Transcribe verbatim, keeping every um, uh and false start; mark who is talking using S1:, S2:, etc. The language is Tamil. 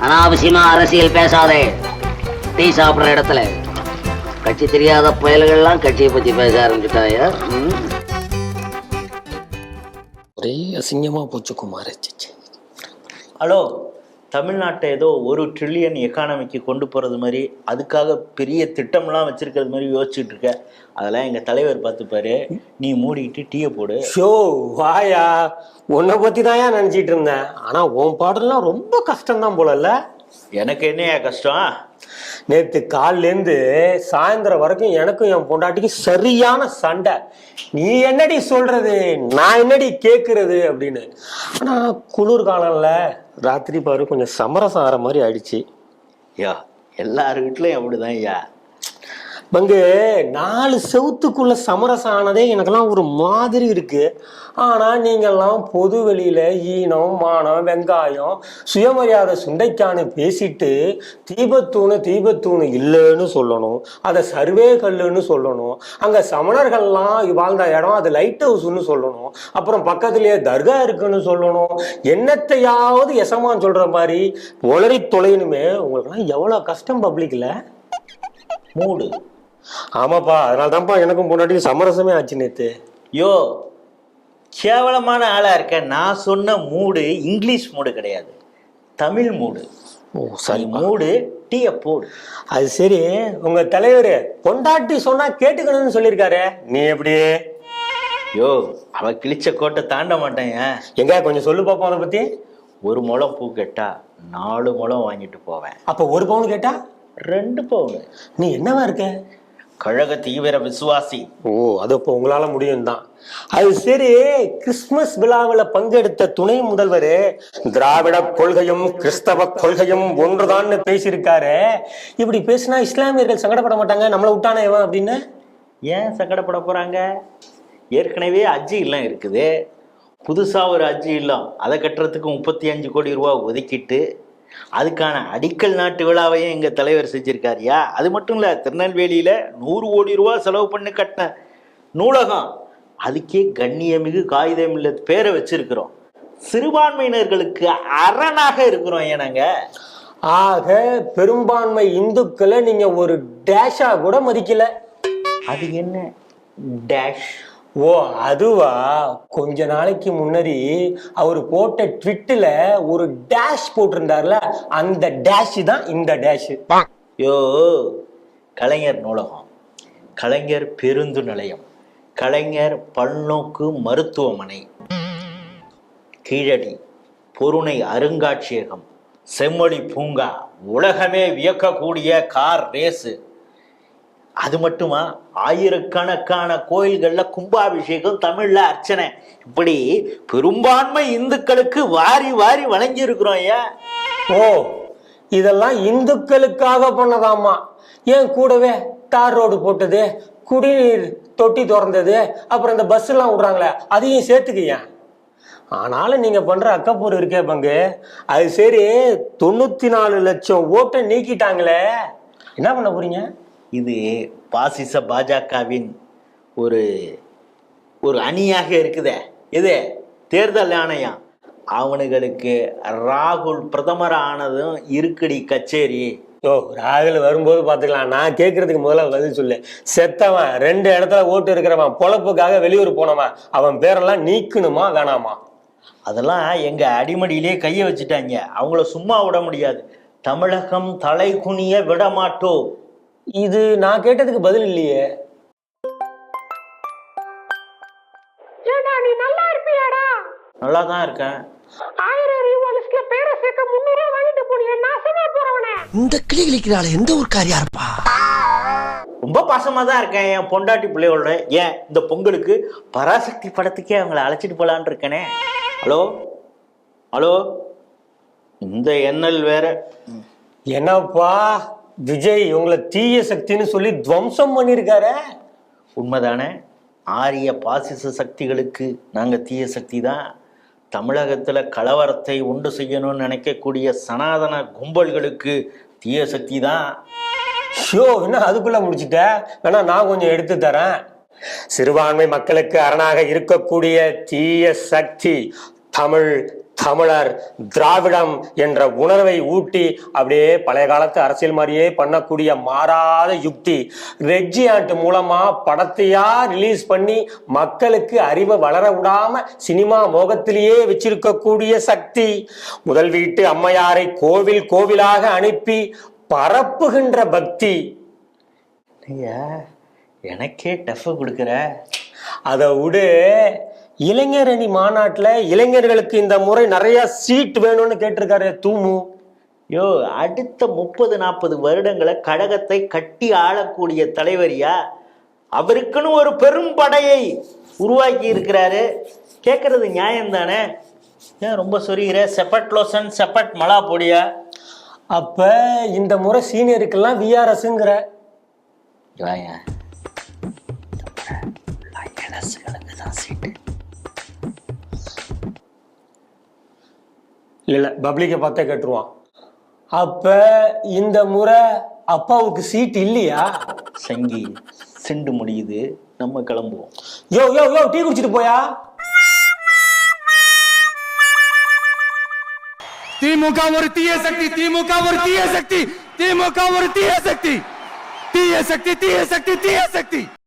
S1: அனாவசியமா அரசியல் பேசாதே. டீ சாப்பிடுற இடத்துல கட்சி தெரியாத புயல்கள்லாம் கட்சியை பத்தி பேச ஆரம்பிச்சுட்டாயா?
S2: ஒரே அசிங்கமா போச்சு குமார்.
S3: ஹலோ, தமிழ்நாட்டை ஏதோ ஒரு ட்ரில்லியன் எக்கானமிக்கு கொண்டு போகிறது மாதிரி அதுக்காக பெரிய திட்டம்லாம் வச்சிருக்கிறது மாதிரி யோசிச்சுட்டு இருக்க. அதெல்லாம் எங்கள் தலைவர் பார்த்துப்பாரு. நீ மூடிக்கிட்டு டீயை போடு.
S2: ஷோ வாயா, உன்னை பற்றி தான் ஏன் நினச்சிட்டு இருந்தேன். ஆனால் உன் பாடலாம் ரொம்ப கஷ்டம்தான் போலல்ல.
S3: எனக்கு என்னையா கஷ்டம்?
S2: நேற்று காலிலேருந்து சாயந்தரம் வரைக்கும் எனக்கும் என் பொண்டாட்டிக்கு சரியான சண்டை. நீ என்னடி சொல்றது, நான் என்னடி கேட்கறது அப்படின்னு. ஆனால் குளிர் காலம்ல ராத்திரி பாரு கொஞ்சம் சமரசம் ஆகிற மாதிரி ஆயிடுச்சு.
S3: யா, எல்லார் வீட்லையும் அப்படிதான் ஐயா.
S2: பங்கு நாலு செவுத்துக்குள்ள சமரசம் ஆனதே எனக்கெல்லாம் ஒரு மாதிரி இருக்கு. ஆனா நீங்கெல்லாம் பொது வெளியில ஈனம் மானம் வெங்காயம் சுயமரியாதை சுண்டைக்கான்னு பேசிட்டு தீபத்தூணு தீபத்தூணு இல்லைன்னு சொல்லணும், அதை சர்வே கல்லுன்னு சொல்லணும், அங்க சமணர்கள்லாம் வாழ்ந்த இடம் அது லைட் ஹவுஸ்ன்னு சொல்லணும், அப்புறம் பக்கத்திலேயே தர்கா இருக்குன்னு சொல்லணும், என்னத்தையாவது எசமான்னு சொல்ற மாதிரி உளறி தொலைனுமே. உங்களுக்குலாம் எவ்வளவு கஷ்டம் பப்ளிக்ல.
S3: மூடு.
S2: ஆமாப்பா, அதனால தான்ப்பா எனக்கும் பொண்டாட்டி சமரசமே ஆச்சு நேத்து.
S3: யோ, கேவலமான ஆளா இருக்க. நான் சொன்ன மூடு இங்கிலீஷ் மூடு கிடையாது, தமிழ் மூடு.
S2: ஓ சரி,
S3: மூடு டீயை போடு.
S2: அது சரி, உங்க தலைவர் பொண்டாட்டி சொன்னா கேட்டுக்கணும்னு சொல்லியிருக்காரு, நீ எப்படி?
S3: யோ, அவ கிழிச்ச கோட்டை தாண்ட மாட்டேன்.
S2: எங்க கொஞ்சம் சொல்லு பாப்போம் அதை பத்தி.
S3: ஒரு முழம் பூ கேட்டா நாலு முழம் வாங்கிட்டு போவேன்.
S2: அப்ப ஒரு பவுன் கேட்டா
S3: ரெண்டு பவுன்.
S2: நீ என்னவா இருக்க?
S3: கழக தீவிர விசுவாசி.
S2: ஓ, அது இப்போ உங்களால முடியும் தான். அது சரி, கிறிஸ்துமஸ் விழாவில் பங்கெடுத்த துணை முதல்வர் திராவிட கொள்கையும் கிறிஸ்தவ கொள்கையும் ஒன்றுதான்னு பேசியிருக்காரு. இப்படி பேசினா இஸ்லாமியர்கள் சங்கடப்பட மாட்டாங்க, நம்மளை விட்டானே இவன் அப்படின்னு?
S3: ஏன் சங்கடப்பட போறாங்க? ஏற்கனவே அஜி இல்லம் இருக்குது, புதுசா ஒரு அஜி இல்லம் அதை கட்டுறதுக்கு முப்பத்தி அஞ்சு கோடி ரூபா ஒதுக்கிட்டு அதுக்கான அடிக்கல் நாட்டு விழாவையும் எங்க தலைவர் செஞ்சிருக்காருயா. அது மட்டும் இல்ல, திருநெல்வேலியில நூறு கோடி ரூபா செலவு பண்ணி கட்டின நூலகம், அதுக்கே கண்ணியமிகு காகிதம் இல்ல பேரை வச்சிருக்கிறோம். சிறுபான்மையினர்களுக்கு அரணாக இருக்கிறோம். ஏனாங்க
S2: ஆக பெரும்பான்மை இந்துக்களை நீங்க ஒரு டேஷா கூட மதிக்கல.
S3: அது என்ன டேஷ்?
S2: ஓ அதுவா, கொஞ்ச நாளைக்கு முன்னாடி அவர் போட்ட ட்விட்டில் ஒரு டேஷ் போட்டிருந்தார்ல, அந்த டேஷ் தான் இந்த டேஷ்.
S3: யோ, கலைஞர் நூலகம், கலைஞர் பேருந்து நிலையம், கலைஞர் பல்நோக்கு மருத்துவமனை, கீழடி பொருணை அருங்காட்சியகம், செம்மொழி பூங்கா, உலகமே வியக்கக்கூடிய கார் ரேஸு. அது மட்டுமா, ஆயிரக்கணக்கான கோயில்கள்ல கும்பாபிஷேகம், தமிழ்ல அர்ச்சனை, இப்படி பெரும்பான்மை இந்துக்களுக்கு வாரி வாரி வழங்கி இருக்கிறோம். ஏன்?
S2: ஓ, இதெல்லாம் இந்துக்களுக்காக பண்ணதாமா. ஏன் கூடவே தார் ரோடு போட்டது, குடிநீர் தொட்டி திறந்தது, அப்புறம் இந்த பஸ் எல்லாம் விடுறாங்களே அதையும் சேர்த்துக்க. ஆனாலும் நீங்க பண்ற அக்கப்பூர் இருக்கே பங்கு, அது சரி, தொண்ணூத்தி நாலு லட்சம் ஓட்டை நீக்கிட்டாங்களே, என்ன பண்ண போறீங்க?
S3: இது பாசிச பாஜகவின் ஒரு ஒரு அணியாக இருக்குதே, இது தேர்தல் ஆணையம். அவனுங்களுக்கு ராகுல் பிரதமர் ஆனதும் இருக்குடி கச்சேரி.
S2: ஓ, ராகுல் வரும்போது பார்த்துக்கலாம். நான் கேட்கறதுக்கு முதல்ல பதில் சொல்லு. செத்தவன், ரெண்டு இடத்துல ஓட்டு இருக்கிறவன், பொழப்புக்காக வெளியூர் போனவன், அவன் பேரெல்லாம் நீக்கணுமா வேணாமா?
S3: அதெல்லாம் எங்க அடிமடியிலே கையை வச்சுட்டாங்க. அவங்கள சும்மா விட முடியாது. தமிழகம் தலை குனிய விட மாட்டோம்.
S2: இது நான் கேட்டதுக்கு பதில் இல்லையே.
S4: நீ நல்லா இருப்பியாடா?
S3: நல்லா தான் இருக்கேன்.
S4: ஆயிரம் ரூபாய் லிஸ்ட்ல பேரை சேர்க்க முன்னூறு ரூபாய் வாங்கிட்டு போனியே, நாசமா போறவனே.
S5: இந்த கிளி கிளிக்கிறாள் எந்த ஒரு காரியா இருப்பா?
S3: ரொம்ப பாசமா தான் இருக்கேன் என் பொண்டாட்டி பிள்ளையோட. ஏன் இந்த பொங்கலுக்கு பராசக்தி படத்துக்கே அவங்கள அழைச்சிட்டு போலான்னு இருக்கேனே. ஹலோ ஹலோ, இந்த எண்ணல் வேற.
S2: என்னப்பா விஜய் உங்களை தீய சக்தின்னு சொல்லி துவம்சம் பண்ணிருக்காரு.
S3: உண்மைதானே? ஆரிய பாசிச சக்திகளுக்கு நாங்க தீய சக்தி தான். தமிழகத்துல கலவரத்தை உண்டு செய்யணும்னு நினைக்கக்கூடிய சனாதன கும்பல்களுக்கு தீய சக்தி தான்.
S2: ஷோ, என்ன அதுக்குள்ள முடிச்சுட்ட? வேணா நான் கொஞ்சம் எடுத்து தரேன். சிறுபான்மை மக்களுக்கு அரணாக இருக்கக்கூடிய தீய சக்தி தமிழ் தமிழர் திராவிடம் என்ற உணர்வை ஊட்டி அப்படியே பழைய காலத்து அரசியல் மாதிரியே பண்ணக்கூடிய மாறாத யுக்தி ரெட்ஜியாண்ட் மூலமா படத்தையா ரிலீஸ் பண்ணி மக்களுக்கு அறிவை வளர விடாம சினிமா மோகத்திலேயே வச்சிருக்கக்கூடிய சக்தி முதல் வீட்டு அம்மையாரை கோவில் கோவிலாக அனுப்பி பரப்புகின்ற பக்தி.
S3: ஐயா எனக்கே டஃப் கொடுக்குற.
S2: அதை விடு, இளைஞரணி மாநாட்டுல இளைஞர்களுக்கு இந்த முறை நிறைய சீட் வேணும்னு கேட்டிருக்காரு தூமு.
S3: யோ, அடுத்த முப்பது நாற்பது வருடங்களை கழகத்தை கட்டி ஆளக்கூடிய தலைவரியா, அவருக்குன்னு ஒரு பெரும் படையை உருவாக்கி இருக்கிறாரு. கேட்கறது நியாயம் தானே? ஏன் ரொம்ப சொல்லிக்கிற? செப்பட் லோசன் செப்பட் மலா பொடியா?
S2: அப்ப இந்த முறை சீனியருக்கெல்லாம் விஆர்எஸ்ங்கிற இல்ல பப்ளிக்கை பார்த்தே கேட்டுருவான். அப்ப இந்த முறை அப்பாவுக்கு சீட் இல்லையா?
S3: சங்கி சிண்டு முடியுது, நம்ம கிளம்புவோம்.
S2: யோ யோ யோ டீ குடிச்சிட்டு போயா.
S5: திமுக ஒரு தீய சக்தி, திமுக ஒரு தீய சக்தி, திமுக ஒரு தீய சக்தி, தீய சக்தி, தீய சக்தி, தீய சக்தி.